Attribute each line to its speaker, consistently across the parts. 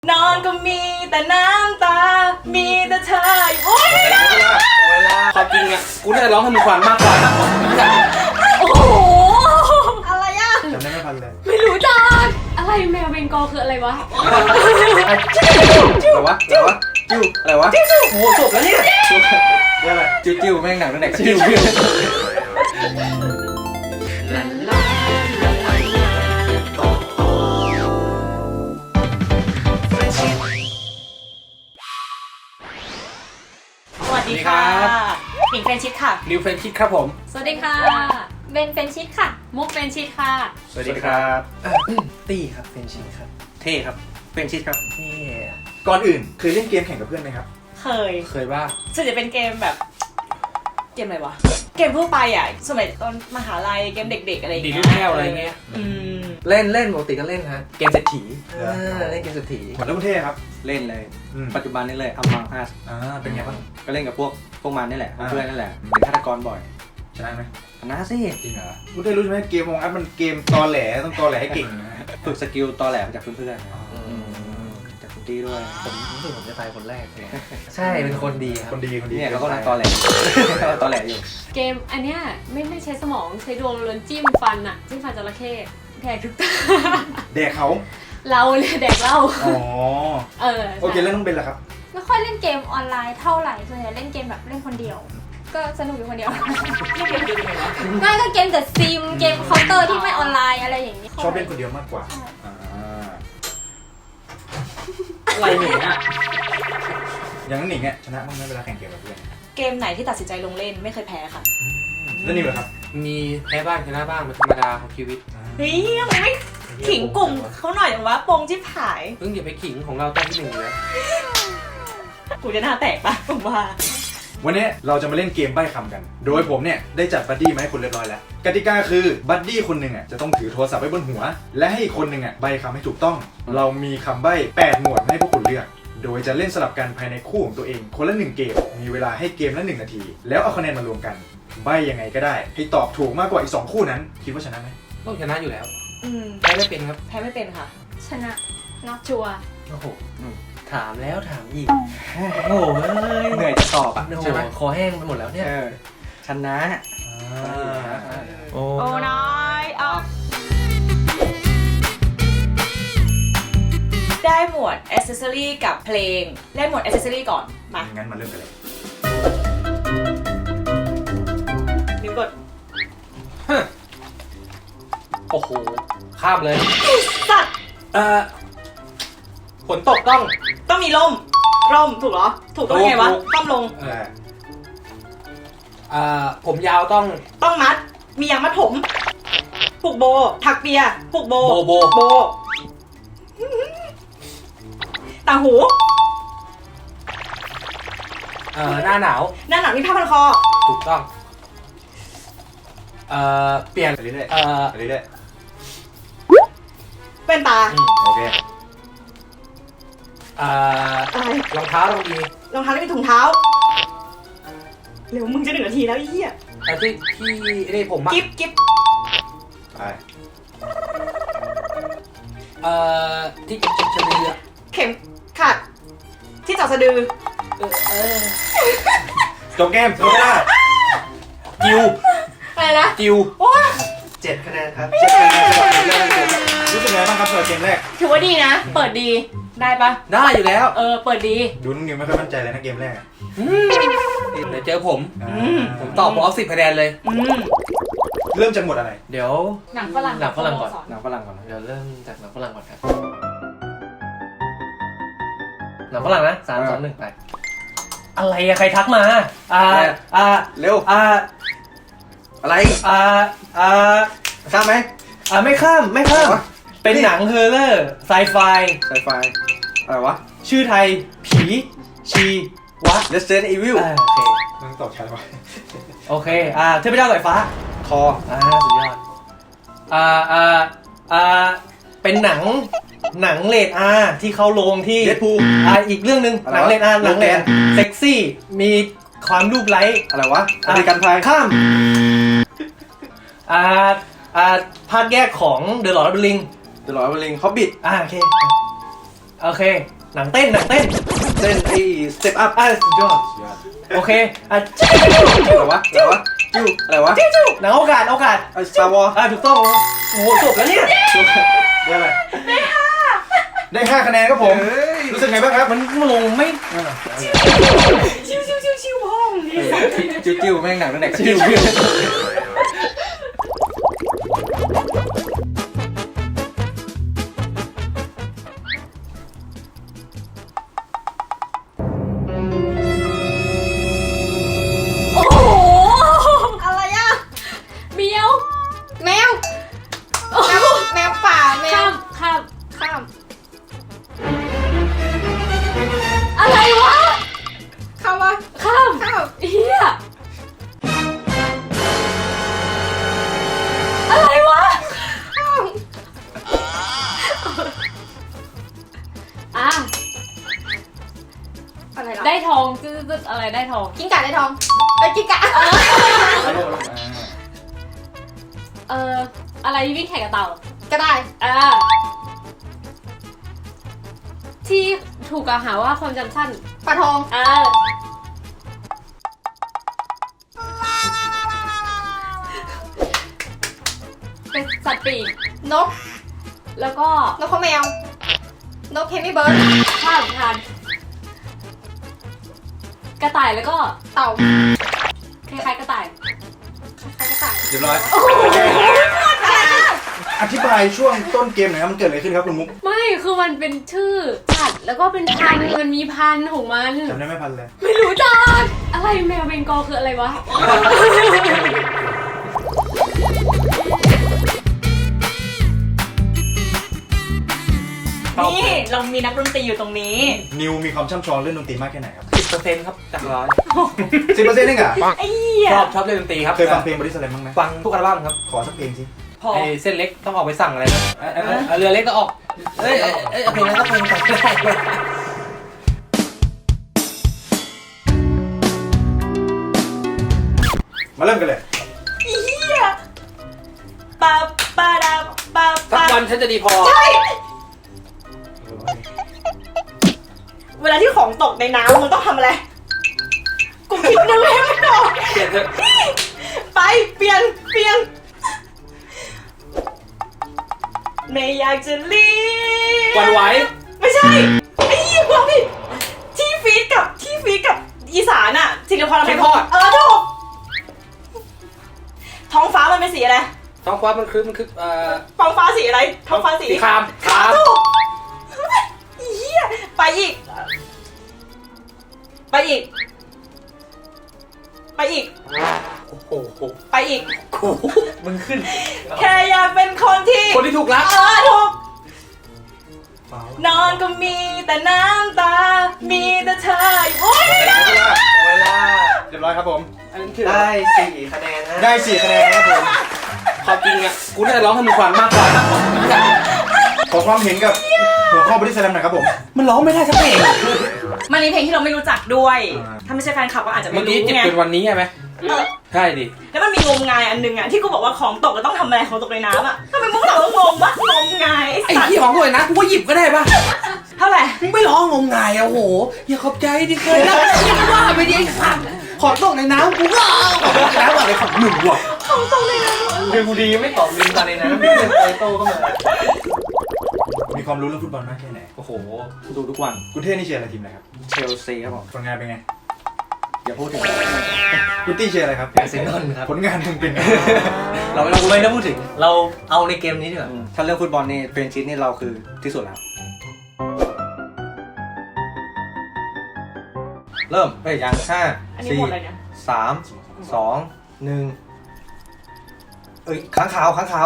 Speaker 1: นอนก็มีแต่น้ำตา มีแต่เธอโอ๊ย
Speaker 2: เวลาความจริงอ่ะกูน่าจะร้องให้มึงฟังมากกว่า
Speaker 1: โอ้โหอะไรอ่ะ
Speaker 3: จำได้ไม่ทันเลย
Speaker 1: ไม่รู้จัก
Speaker 4: อะไรแมวเบงกอลคืออะไรวะ
Speaker 2: อะไรวะจิ้วอะไรวะจิ้วโอ้โหจบแล้วเนี่ย
Speaker 3: เรื่องอะไร
Speaker 2: จิ้วแม่งหนังตั้งแต่จิ้ว
Speaker 1: สวัสดีค่ะหนิงเฟรนชิดค่ะ
Speaker 2: นิวเฟนคิดครับผม
Speaker 4: สวัสดีค่ะ เบนเฟนชิดค่ะ มุกเฟนชิดค่ะ
Speaker 2: สวัสดีครับตี้ครับเฟนชิดครับเท่ครับเฟนชิดครับเท่
Speaker 3: ก่อนอื่นเคยเล่นเกมแข่งกับเพื่อนไหมครับ
Speaker 1: เคย
Speaker 2: บ้าง
Speaker 1: ส่วนจะเป็นเกมแบบ เกมอะไรวะ เกมทั่วไปอ่ะ สมัยตอนมหาลัย เกมเด็กๆอะไรอย่าง
Speaker 2: ดี
Speaker 1: เงี้ย
Speaker 2: ลูกแก้วอะไรเงี้ย
Speaker 1: อืม
Speaker 2: เล่นปกติก็เล่นฮะเกมเศรษฐีเล่นเกมเศรษฐี
Speaker 3: เหมือนเล่นประเทศครับ
Speaker 2: เล่นเลย ปัจจุบันนี้เลยอัมมังอัส
Speaker 3: เป็นไงบ้าง
Speaker 2: ก็เล่นกับพวกมันนี่แหละ
Speaker 3: อ่า
Speaker 2: เพื่อนนั่นแหละเป็นฆาตกรบ่อย
Speaker 3: ชนะไหม
Speaker 2: ชนะสิ
Speaker 3: จริงเหรอคุณได้รู้ใช่ไหมเกมวงอัพมันเกมตอแหลต้องตอแหลให้เก่งนะ
Speaker 2: ฝึกสกิลตอแหลมาจากเพื่อนๆจากคุณตี้ด้วยผมรู้สึกผมจะตายคนแรกเลยใช่เป็นคนดีครับ
Speaker 3: คนดี
Speaker 2: เนี่ยเขาก็ตอแหลตอแหลอยู่
Speaker 4: เกมอันเนี้ยไม่ใช้สมองใช้ดวงล้วนจิ้มฟันอะจิ้มฟันจระเข้แดกทุกตา
Speaker 3: แดกเขา
Speaker 4: เราเลยแดกเรา
Speaker 3: อ๋อ
Speaker 4: ใช่
Speaker 3: โอเคแล้วน้องเบนล่ะครับ
Speaker 5: ไม่ค่อยเล่นเกมออนไลน์เท่าไหร่ส่วนใหญ่เล่นเกมแบบเล่นคนเดียว ก็สนุกอยู่คนเดียว
Speaker 1: นี่เกมดูยังไงวะ
Speaker 5: ไม่ก็เกมแต่ซิมเกมเคาน์เตอร์ที่ไม่ออนไลน์อะไรอย่างนี้
Speaker 3: ชอบเล่นคนเดียวมากกว่าอ่า
Speaker 2: อะไรเนี่ย
Speaker 3: อย่างนั้นหนิงเนี่ยชนะบ้างไหมเวลาแข่งเกมกับเพื่อน
Speaker 1: เกมไหนที่ตัดสินใจลงเล่นไม่เคยแพ้ค่ะ
Speaker 3: แล้วนิวล่ะครับ
Speaker 2: มีแพ้บ้างชนะบ้างเป็นธรรมดาของชีวิต
Speaker 1: เฮ้ยมันไม่ขิงกลุ่มเขาหน่อยเหรอวะโปงชิบหาย
Speaker 2: เพิ่งอย่าไปขิงของเราตั้งที่หนึ่งเลย
Speaker 1: กูจะหน้าแตกปะผมว่า
Speaker 3: วันนี้เราจะมาเล่นเกมใบ้คำกัน โดยผมเนี่ยได้จัดบัดดี้มาให้คุณเรียบร้อยแล้ว กติกาคือบัดดี้คนหนึ่งอ่ะจะต้องถือโทรศัพท์ไว้บนหัว และให้อีกคนหนึ่งอ่ะใบ้คำให้ถูกต้อง เรามีคำใบ้8หมวดให้พวกคุณเลือก โดยจะเล่นสลับกันภายในคู่ของตัวเองคนละ1เกม มีเวลาให้เกมละ1นาที แล้วเอาคะแนนมารวมกัน ใบ้ยังไงก็ได้ ให้ตอบถูกมากกว่าอีก2คู่นั้น คิดว่าชนะไหม
Speaker 2: ต้องชนะอยู่แล้ว
Speaker 1: อืม
Speaker 2: แพ้ไม่เป็นครับ
Speaker 1: แพ้ไม่เป็นค่ะ
Speaker 5: ชนะเนาะ
Speaker 4: ชัวร์
Speaker 2: โอ้โหถามแล้วถามอีกโอ้โหเหนื่อยจะตอบอ่ะใช่ไหมคอแห้งไปหมดแล้วเนี่ยชนะโอ้
Speaker 1: โอ้น้อยออกได้หมวด accessory กับเพลงได้หมวด accessory ก่อนมา
Speaker 3: งั้นมาเริ่มกันเลย
Speaker 1: นิ้วกด
Speaker 2: โอ้โหข้ามเลย
Speaker 1: สัตว์
Speaker 2: ฝนตกต้อง
Speaker 1: ต้องมีร่มถูกเหรอ ถูกต้องไงวะ
Speaker 2: ถูก
Speaker 1: ต้องลง
Speaker 2: ผมยาวต้อง
Speaker 1: ต้องมัด มียางมัดผมผูกโบ ถักเปียผูกโบ
Speaker 2: โบ
Speaker 1: ต่างหู
Speaker 2: หน้าหนาว
Speaker 1: หน้าหนังมีผ้าพันคอ
Speaker 2: ถูกต้องเปลี่ยน
Speaker 3: ไปเรื่อย
Speaker 2: เอ่อ
Speaker 3: ๆไปเรื่อย
Speaker 1: เป็นตา
Speaker 3: ๆโอเค
Speaker 1: อะไร
Speaker 2: รองเท้าต้องดี
Speaker 1: รองเท้าที่มีถุงเท้า เร็วมึงจะ1 นาทีแล้วไอ้เหี้ย
Speaker 2: ที่นี่ผมอะ
Speaker 1: กิ๊บ
Speaker 3: ไป
Speaker 2: ที่เก็บสะดือ
Speaker 1: เข็มขัด ที่จับสะดือ
Speaker 3: จบเกมจบเวลา
Speaker 2: จิว
Speaker 1: อะไรนะ
Speaker 2: จิว
Speaker 1: ว้า
Speaker 2: 7 คะแนนครับ
Speaker 3: รู้สึกไงบ้างครับสำหรับเกมแรก
Speaker 1: ถือว่าดีนะ เปิดดี ได้ปะ
Speaker 2: ได้อยู่แล้ว
Speaker 1: เปิดดี
Speaker 3: ดูน้องนิวไม่ค่อยมั่นใจเลยนะเกมแรกอะ
Speaker 2: เดี๋ยวเจอผม ผม
Speaker 3: า
Speaker 2: ตอบผมเอา10 คะแนนเลย
Speaker 1: อืม
Speaker 3: เริ่มจากหมวดอะไร
Speaker 2: เดี๋ยว
Speaker 4: หนังฝรั่ง
Speaker 2: หนังฝรั่งก่อน
Speaker 4: สโมส
Speaker 2: หนังฝรั่งก่อนเดี๋ยวเริ่มจากหนังฝรั่งก่อนครับหนังฝรั่งนะ3 2 1ไปอะไรอะใครทักมาเร็วอะไรข้ามไหมไม่ข้ามเป็นหนังเฮอร์เรอร์ไซไฟอะไรวะชื่อไทยผีชีวะ Resident Evil โอเค
Speaker 3: นั่งตอบช้าไป
Speaker 2: โอเคเทพเจ้าสายฟ้าคอสุดยอดเป็นหนังเรทอาร์ที่เข้าโรงที่
Speaker 3: เดดพูล
Speaker 2: อีกเรื่องหนึ่งหนังเรทอาร์หนังเรทเซ็กซี่มีความรูปไร้อะไรวะอเมริกันพายข้ามภาคแยกของ The Lord of the Ring Hobbit โอเคโอเคหนังเต้นเต้นไอ้สเต็ปอัพสุดยอดโอเคอะไรวะจิ้วอะไรวะหนังโอกาสสตาร์วอร์ถูกต้องโอ้โหจบแล้วเนี่ย
Speaker 3: ได้อะไรได้5คะแนนครับผมรู้สึกไงบ้างครับ
Speaker 2: มันลงไม่
Speaker 1: ชิวพ่อมึงดิ
Speaker 2: จิ้วแม่งหนังตั้งแต่จิ้ว
Speaker 4: โอ้โห
Speaker 5: อะไรอ่ะ
Speaker 4: เมียว
Speaker 5: แมวแมวป่าแมว
Speaker 4: ข้าม
Speaker 5: ข้าม
Speaker 4: อะไรวะ
Speaker 5: ข้ามวะ
Speaker 4: ข้าม
Speaker 5: ข้าม
Speaker 4: เฮียอะไรวะ
Speaker 5: ข้าม
Speaker 4: อ่ะ
Speaker 5: อะไรล่ะ
Speaker 4: ได้ทองจืดอะไรได้ทอง
Speaker 5: กิ้งก่าได้ทองไปกิ้งก่า
Speaker 4: อะไรวิ่งแข่งกับเต่า
Speaker 5: ก็ได้
Speaker 4: ที่ถูกกล่าวหาว่าความจำสั้น
Speaker 5: ปลาทอง
Speaker 4: เป็นสัตว์ปีก
Speaker 5: นก
Speaker 4: แล้วก็
Speaker 5: นกข้าวแมว นกเฮมิเบิร์ด
Speaker 4: ข้ามทานกระต่ายแล้วก็
Speaker 5: เต่า
Speaker 4: คล้ายๆกระต่าย
Speaker 5: ใครก็ต่าย
Speaker 3: เรียบร้อยอธิบายช่วงต้นเกมหน่อยครับมันเกิดอะไรขึ้นครับคุณมุก
Speaker 4: ไม่คือมันเป็นชื่อสัตว์แล้วก็เป็นพันธุ์มันมีพันธุ์ของมัน
Speaker 3: จำได้ไหมพันเลย
Speaker 4: ไม่รู้จักอะไรแมวเบงกอลคืออะไรวะ
Speaker 1: นี่เรามีนักดนตรีอยู่ตรงนี้
Speaker 3: นิวมีความช่ำชองเรื่องดนตรีมากแค่ไหนครับ
Speaker 2: 10%ครับจากร้อย
Speaker 3: 10%เองเหรอ
Speaker 1: ไอ้เหี้ย
Speaker 2: ชอบเล่นดนตรีครับ
Speaker 3: เคยฟังเพลงบอดี้สแลมบ้างไหม
Speaker 2: ฟังทุกอัลบั้มครับ
Speaker 3: ขอสักเพลงสิ
Speaker 1: พอ
Speaker 2: ไอ้เส้นเล็กต้องออกไปสั่งอะไรนะเรือเล็กก็ออกเพลงนั้นก็เพลงสั่งได้
Speaker 3: มาเริ่มกันเลย
Speaker 1: ไอ้เหี้ยปาปาดาปา
Speaker 2: สัก
Speaker 1: ปา
Speaker 2: วันฉันจะดีพอ
Speaker 1: เวลาที่ของตกในน้ำมึงต้องทำอะไร กูคิดนึงให้ไม่ออก
Speaker 2: เปลี่ยนเถอะ
Speaker 1: ไปเปลี่ยนไม่อยากจะรีบ
Speaker 2: หวั่นไหว
Speaker 1: ไม่ใช่ไอ้เหี้ยพวกพี่ที่ฟีดกับอีสานอะศิลปะทำไมถูกท้องฟ้ามันเป็นสีอะไร
Speaker 2: ท้องฟ้ามันคือ
Speaker 1: ท้องฟ้าสีอะไรท้องฟ้าสี
Speaker 2: คราม
Speaker 1: ถูกไอ้เหี้ยไปอีก
Speaker 2: โอ้โห
Speaker 1: ไปอีก
Speaker 2: มึงขึ้น
Speaker 1: แค่อยากเป็นคนที่
Speaker 2: คนที่ถูกรัก
Speaker 1: ถูกนอนก็มีแต่น้ำตา มีแต่เธอโอ๊ย
Speaker 2: เวลา
Speaker 3: เรียบร้อยครับผม
Speaker 2: ได้4 คะแนนนะ
Speaker 3: ได้4 คะแนนครับผม
Speaker 2: ความจริงอ่ะกูน่าจะร้องให้มึงฟังมากกว่า
Speaker 3: ขอความเห็นกับหัวข้อบอดี้สแลมหน่อยครับผม
Speaker 2: มันร้องไม่ได้สักเพลง
Speaker 1: มันมีเพลงที่เราไม่รู้จักด้วย
Speaker 3: อ่า
Speaker 1: ถ้าไม่ใช่แฟนคลับก็อาจจะไม่
Speaker 2: เมื่อ
Speaker 1: รู้
Speaker 2: กี้จะ
Speaker 1: ไง
Speaker 2: เป็นวันนี้ใช่ไหม
Speaker 1: เออ
Speaker 2: ใช่ดิ
Speaker 1: แล้วมันมีงมงายอันนึงอะที่กูบอกว่าของตกแล้วต้องทำอะไรของตกในน้ำอะทำไมมึงต้องงงวะงมงาย
Speaker 2: ไอ้
Speaker 1: สัตว์
Speaker 2: ที่ของด้วยนะกูก็หยิบก็ได้ป่ะ
Speaker 1: เท่าไหร่
Speaker 2: มึงไม่ร้องงมงายอ่ะโหอย่าขอบใจที่เคยรักอย่าว่าไปดิไอ้สัตว์ขอตกในน้ำกูก็เอาน้ำอะไรของหนึ่งวะ
Speaker 1: ของตกในน้ำ
Speaker 2: คือกูดีไม่ตอบลืมตาในน้ำเพื่อนไอโต้ก็มา
Speaker 3: มีความรู้เรื่องฟุตบอลมากแค่ไหน
Speaker 2: โอ้โหดูทุกวัน
Speaker 3: คุณเท่นี่เชียร์อะไรทีมอะไรครับ
Speaker 2: เชลซีครับผม
Speaker 3: ผลงานเป็นไง
Speaker 2: อย่าพูดถึง
Speaker 3: คุณตี้เชียร์อะไรครับ
Speaker 2: อาร์เซนอลครับ
Speaker 3: ผลงานมึงเป็นไง
Speaker 2: เราไม่ต้องพูดถึงเราเอาในเกมนี้ดีกว่าถ้าเรื่องฟุตบอลนี่เฟรนชิสนี่เราคือที่สุดแล้วเริ่มไปยัง5
Speaker 1: อันนี้หมดเลยเนี่ย
Speaker 2: 4 3 2 1เอ้ยค้างคาว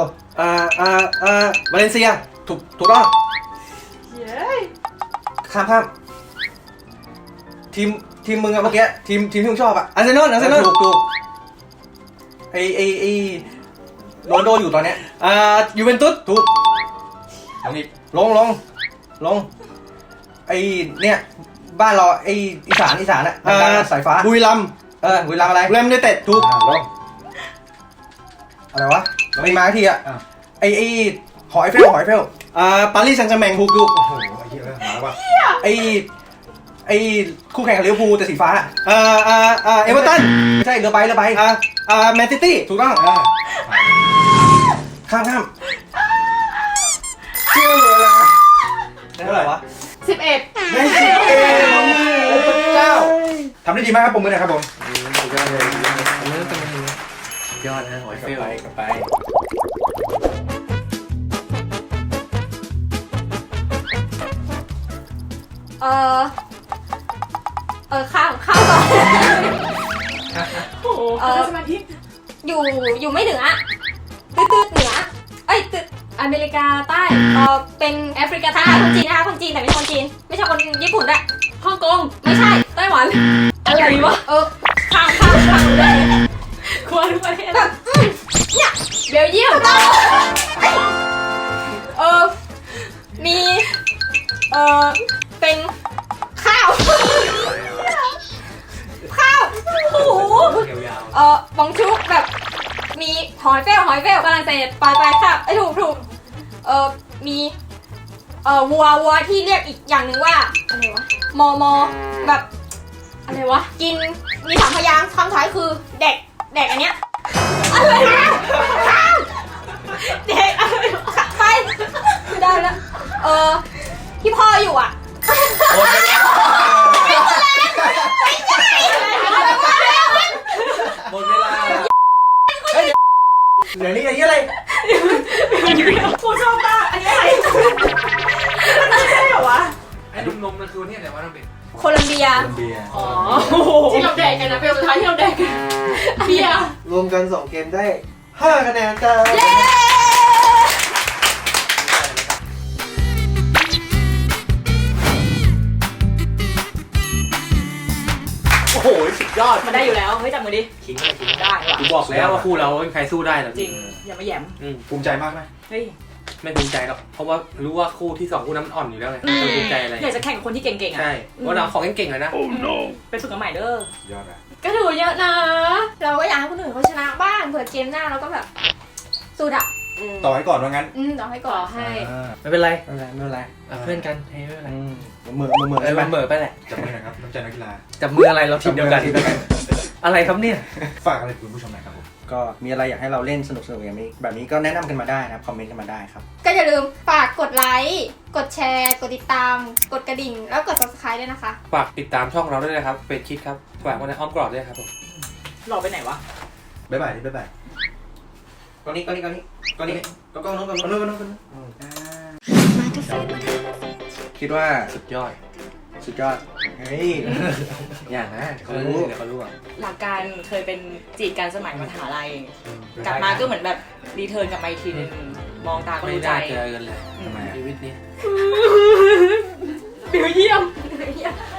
Speaker 2: วาเลนเซียถูกต้อง
Speaker 1: เย้ย
Speaker 2: ข้ามทีมมึงอะเมื่อกี้ทีมที่มึงชอบอะอาร์เซนอลถูกไอโรนลโดอยู่ตอนเนี้ยยูเวนตุสถูกลงไอเนี่ยบ้านเราไออีสานอะสายฟ้า
Speaker 3: บุรีรัมย์
Speaker 2: บุรีรัมย์อะไร
Speaker 3: แรมยูไนเต็ดถูกลง
Speaker 2: อะไรวะไม่มาทีอะ
Speaker 3: อ่ะ
Speaker 2: ไอหอไอเฟล
Speaker 3: ปารีสแซงต์แชร์แมงถูกโอ้โหมาแล้วป่ะ
Speaker 2: ไอ้คู่แข่งกับลิเวอร์พูลแต่สีฟ้าเอเวอร์ตันไม่ใช่เรือใบแมนซิตี้ถูกต้องข้ามเชื่อเวลาได้เท่าไหร่วะ
Speaker 4: 11
Speaker 3: ได้10โอ้พระเจ้าทำได้ดีมากครับผมมือหน่อยครับผม
Speaker 2: สุดยอดเลยยอดนะหอยเฟลกลับไป
Speaker 5: ข้าวก่อน
Speaker 1: โอ้โหสมาธิ
Speaker 5: อยู่ไม่เหนือตืดเหนือตืด
Speaker 4: อเมริกาใต้
Speaker 5: เป็นแอฟริกาใต้คนจีนนะคะคนจีนแต่ไม่ใช่คนจีนไม่ใช่คนญี่ปุ่นด้วย
Speaker 4: ฮ่องกง
Speaker 5: ไม่ใช่
Speaker 4: ไต้หวันอะไรวะ
Speaker 5: ข้ามเลย
Speaker 4: ควรทุกประเทศ
Speaker 5: แบบเนี่ย
Speaker 4: เบลเยียม
Speaker 5: มีเป็นข้าวโอ้โห
Speaker 2: ยาว
Speaker 5: บองชุกแบบมีหอยเฟลฝรั่งเศสไปค่ะถูกมีวัวที่เรียกอีกอย่างหนึ่งว่าอะไรวะมอแบบอะไรวะกินมี3 พยางค์คำท้ายคือเด็กอันเนี้ยอะไรวะข้ามเด็กอะไรวะไปไม่ได้แล้วที่พ่ออยู่อ่ะ
Speaker 2: หมดเวลาเฮ้ยเดี๋ยวนี้อะไร
Speaker 1: กูชอบมากอันนี้อะไรมันใช่เหรอวะ
Speaker 2: ไอ้ลูกนมนั่นคือเนี่ยแต่ว่าต้องเป็น
Speaker 5: โคลัมเบีย
Speaker 3: เบียร์
Speaker 4: อ๋อที่เราแดกกันนะเป็นสุดท้ายที่เราแดกกันเบียร์
Speaker 2: รวมกัน2เกมได้5คะแนนจ้า
Speaker 5: เย้
Speaker 2: โอ้โหสุดยอด
Speaker 1: มันได้อยู่แล้วเฮ้ยจับมือดิ
Speaker 2: ขิงอะไรขิง
Speaker 1: ได้ว่ะ
Speaker 2: กูบอกแล้วว่าคู่เราไม่มีใครสู้ได้หรอก
Speaker 1: จริงอย่ามาแหยม
Speaker 3: ภูมิใจมากไหม
Speaker 1: เฮ้ย
Speaker 2: ไม่ภูมิใจหรอกเพราะว่ารู้ว่าคู่ที่2คู่นั้นมันอ่อนอยู่แล้วไงจะภูมิใจอะไร
Speaker 1: อยากจะแข่งกับคนที่เก่งๆอ่ะ
Speaker 2: ใช่เพราะเราของเก่งๆเลยนะ
Speaker 1: ไปฝึกกันใหม่เด้อย
Speaker 3: อดอ่ะ
Speaker 4: ก็ถือว่าเยอะนะ
Speaker 5: เราก็อยากให้คนอื่นเขาชนะบ้างเผื่อเกมหน้าเราก็แบบสู้ดับ
Speaker 3: ต่อให้ก่อนว่างั้น
Speaker 5: ต่อให้
Speaker 4: ก่
Speaker 5: ก่
Speaker 4: อ
Speaker 5: อน
Speaker 4: ให้
Speaker 2: ไม่เป็นไรเพื่อนกันให้ไม่เป็นไรเหมือไปแหละ
Speaker 3: จับมือหน่อยครับน้ำใจนักกีฬา
Speaker 2: จับมืออะไรเราทีมเดียวกันอะไรครับเนี่ย
Speaker 3: ฝากอะไรคุณผู้ชมหน่อยครับผม
Speaker 6: ก็มีอะไรอยากให้เราเล่นสนุกแบบนี้ก็แนะนำกันมาได้นะครับคอมเมนต์กันมาได้ครับ
Speaker 5: ก็อย่าลืมฝากกดไลค์กดแชร์กดติดตามกดกระดิ่งแล้วกด subscribe ด้วยนะคะ
Speaker 2: ฝากติดตามช่องเราด้วยนะครับเฟซคิดครับฝากไว้ในอ้อมกรอบด้วยครับผม
Speaker 1: หล่อไปไหนวะ
Speaker 3: บ๊ายบายบ๊ายบาย
Speaker 6: ก็นี่ก็นู้นคิดว่า
Speaker 2: สุดยอด
Speaker 6: เฮ้ยอย่างนะเขารู้
Speaker 2: เดี๋ยวเขารู้อ่ะ
Speaker 1: หลักการเคยเป็นจีบกันสมัยมหาลัยกลับมาก็เหมือนแบบรีเทิร์นกลับมาอีกทีนึงมองตาก็
Speaker 2: ไม่
Speaker 1: รู้ใจ
Speaker 2: น่าเจอกันเลย
Speaker 3: ทำไมอะ
Speaker 2: ชีวิตนี้
Speaker 1: เบลเยี่ยม